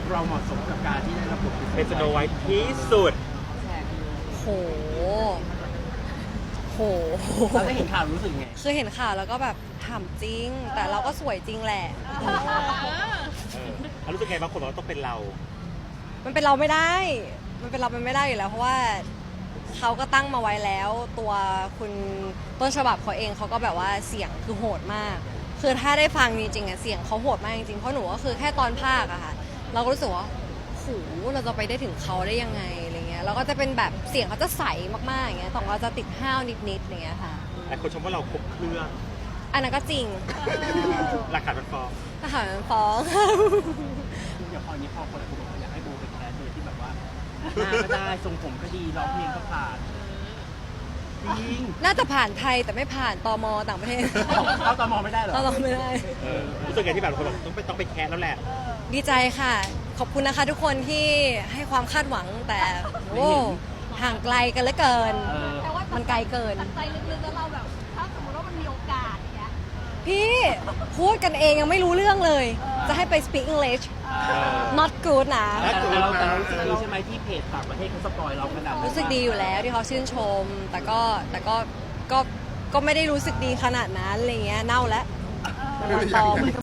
เราเหมาะสมกับการที่ได้รับบทเป็นสโนไวท์ที่สุดโหโหเราได้เห็นข่าวรู้สึกไงคือเห็นข่าวแล้วก็แบบถามจริง แต่เราก็สวยจริงแหละเขารู้สึกไงบางคนบอกว่าต้องเป็นเรามันเป็นเราไม่ได้ มันเป็นเราเป็นไม่ได้อยู่แล้วเพราะว่าเขาก็ตั้งมาไว้แล้ว ตัวคุณต้นฉบับเขาเองเขาก็แบบว่าเสียงคือโหดมาก คือถ้าได้ฟังจริงๆอะเสียงเขาโหดมากจริงๆเพราะหนูก็คือแค่ตอนภาคอะค่ะเราก็รู้สึกว่าโหเราจะไปได้ถึงเขาได้ยังไงอะไรเงี้ยเราก็จะเป็นแบบเสียงเขาจะใสมากๆอย่างเงี้ยแต่เราจะติดห้าวนิดๆอย่างเงี้ยค่ะแต่คนชมว่าเราครบเครื่องอันนั้นก็จริงหลักฐานมันฟ้องทหารฟ้องอย่างพอนี้พอคนหลายคนบอกว่าอยากให้โบเป็นแคสโดยที่แบบว่าหน้าก็ได้ทรงผมก็ดีร้องเพลงก็ผ่านจริงน่าจะผ่านไทยแต่ไม่ผ่านตมต่างประเทศเขาตอมองไม่ได้เหรอเราไม่ได้รู้สึกไงที่แบบคนบอกต้องไปแคสแล้วแหละดีใจค่ะ ขอบคุณนะคะทุกคนที่ให้ความคาดหวังแต่โอ้ห่างไกลกันเหลือเกินแต่ว่ามันไกลเกินใจลึกๆแล้วเราแบบ ถ้าสมมติว่ามันมีโอกาสอย่างเงี้ยพี่พูดกันเองยังไม่รู้เรื่องเลย จะให้ไป speak English not good นะแต่เรารู้สึกดีใช่ไหมที่เพจต่างประเทศเขาสปอยเราขนาดนั้นรู้สึกดีอยู่แล้วที่เขาชื่นชม แต่ก็ไม่ได้รู้สึกดีขนาดนั้นอะไรเงี้ยเน่าแล้วมันปลอม